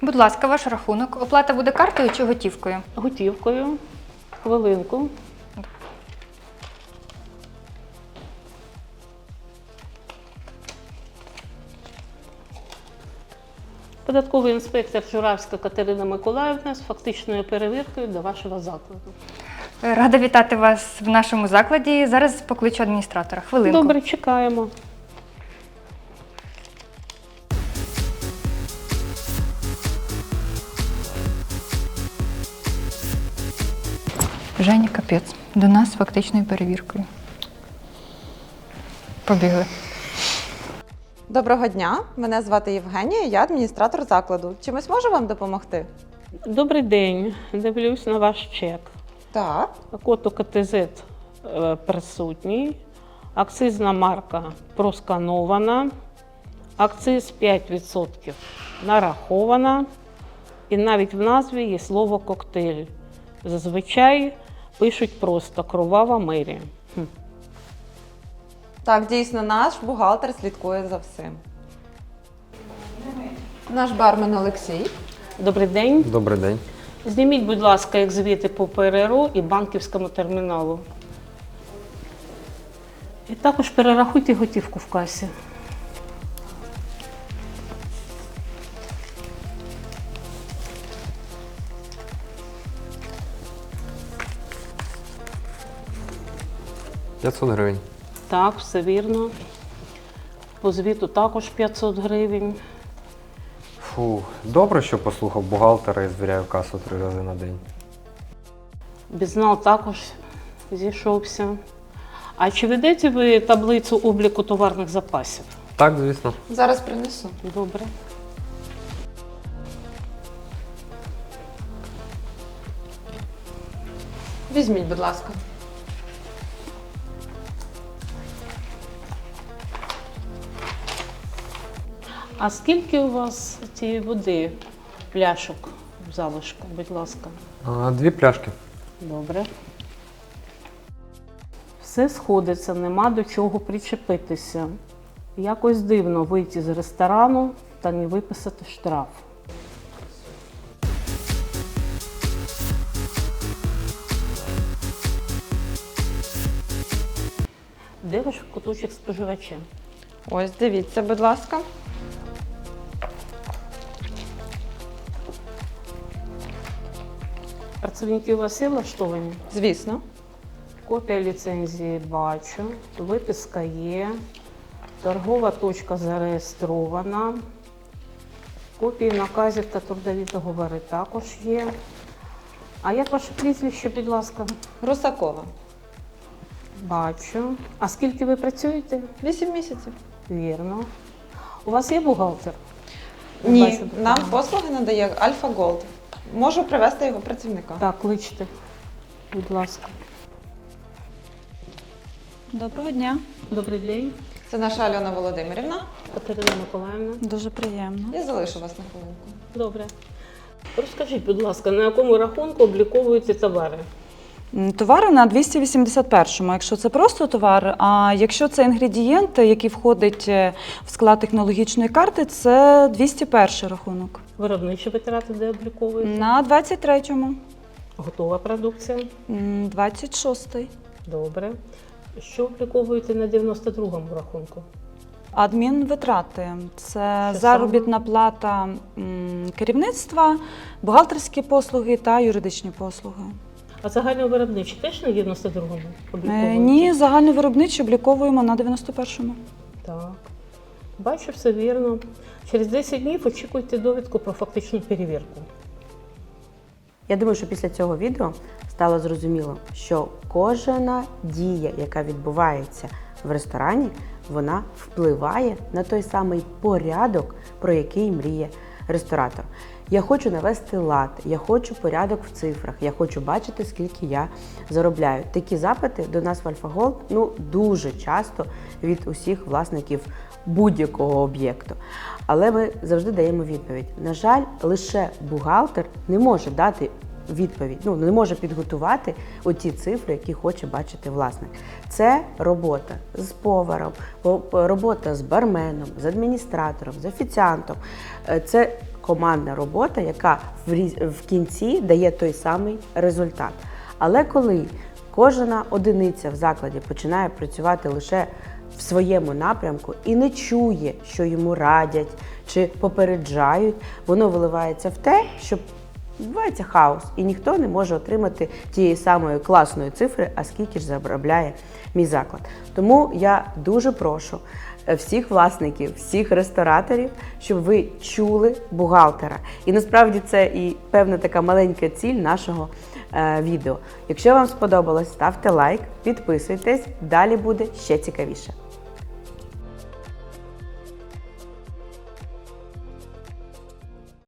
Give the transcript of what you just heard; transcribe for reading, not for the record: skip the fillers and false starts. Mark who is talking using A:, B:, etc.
A: Будь ласка, ваш рахунок. Оплата буде картою чи готівкою?
B: Готівкою. Хвилинку. Податковий інспектор Журавська Катерина Миколаївна з фактичною перевіркою до вашого закладу.
A: Рада вітати вас в нашому закладі. Зараз покличу адміністратора. Хвилинку.
B: Добре, чекаємо.
A: Женя, капець. До нас з фактичною перевіркою. Побігли.
C: Доброго дня, мене звати Євгенія, я адміністратор закладу. Чимось можу вам допомогти?
B: Добрий день. Дивлюсь на ваш чек.
C: Так.
B: Код УКТЗ присутній. Акцизна марка просканована. Акциз 5% нарахована. І навіть в назві є слово коктейль. Зазвичай пишуть просто «Кровава мерія».
C: Так, дійсно, наш бухгалтер слідкує за всім. Наш бармен Олексій.
B: Добрий день.
D: Добрий день.
B: Зніміть, будь ласка, як звіти по ПРРО і банківському терміналу. І також перерахуйте готівку в касі.
D: $500.
B: Так, все вірно. По звіту також 500 гривень.
D: Фу, добре, що послухав бухгалтера і звіряю касу 3 рази на день.
B: Бізнал також зійшовся. А чи ведете ви таблицю обліку товарних запасів?
D: Так, звісно.
C: Зараз принесу.
B: Добре.
C: Візьміть, будь ласка.
B: А скільки у вас цієї води, пляшок в залишку, будь ласка?
D: 2 пляшки.
B: Добре. Все сходиться, нема до чого причепитися. Якось дивно вийти з ресторану та не виписати штраф. Де ваш куточок споживача?
C: Ось, дивіться, будь ласка.
B: Працівники у вас є влаштовані?
C: Звісно.
B: Копія ліцензії бачу, виписка є, торгова точка зареєстрована, копії наказів та трудові договори також є. А як ваше прізвище, будь ласка?
C: Русакова.
B: Бачу. А скільки ви працюєте?
C: 8 місяців.
B: Вірно. У вас є бухгалтер?
C: Ні,
B: Бачу,
C: нам послуги надає Альфа Голд. Можу привезти його працівника.
B: Так, кличте, будь ласка.
E: Доброго дня.
B: Добрий день,
C: Це наша Альона Володимирівна.
B: Катерина Миколаївна.
E: Дуже приємно.
C: Я залишу вас на хвилинку.
B: Добре. Розкажіть, будь ласка, на якому рахунку обліковуєте товари?
E: Товари на 281-му, якщо це просто товар, а якщо це інгредієнт, який входить в склад технологічної карти, це 201 рахунок.
B: Виробничі витрати де обліковуєте?
E: На 23-му,
B: Готова продукція?
E: 26-й.
B: Добре. Що обліковуєте на 92-му рахунку?
E: Адмінвитрати – це
B: Що
E: заробітна плата керівництва, бухгалтерські послуги та юридичні послуги.
B: А загальновиробничі теж на 92-му обліковуєте?
E: Ні, загальновиробничі обліковуємо на 91-му.
B: Так. Бачу, все вірно. Через 10 днів очікуйте довідку про фактичну перевірку.
F: Я думаю, що після цього відео стало зрозуміло, що кожна дія, яка відбувається в ресторані, вона впливає на той самий порядок, про який мріє ресторатор. Я хочу навести лад, я хочу порядок в цифрах, я хочу бачити, скільки я заробляю. Такі запити до нас в Альфа Голд дуже часто від усіх власників будь-якого об'єкту. Але ми завжди даємо відповідь. На жаль, лише бухгалтер не може дати відповідь, не може підготувати оті цифри, які хоче бачити власник. Це робота з поваром, робота з барменом, з адміністратором, з офіціантом. Це командна робота, яка в кінці дає той самий результат. Але коли кожна одиниця в закладі починає працювати лише в своєму напрямку і не чує, що йому радять чи попереджають, воно виливається в те, що відбувається хаос, і ніхто не може отримати тієї самої класної цифри, а скільки ж заробляє мій заклад. Тому я дуже прошу всіх власників, всіх рестораторів, щоб ви чули бухгалтера. І насправді це і певна така маленька ціль нашого відео. Якщо вам сподобалось, ставте лайк, підписуйтесь, далі буде ще цікавіше.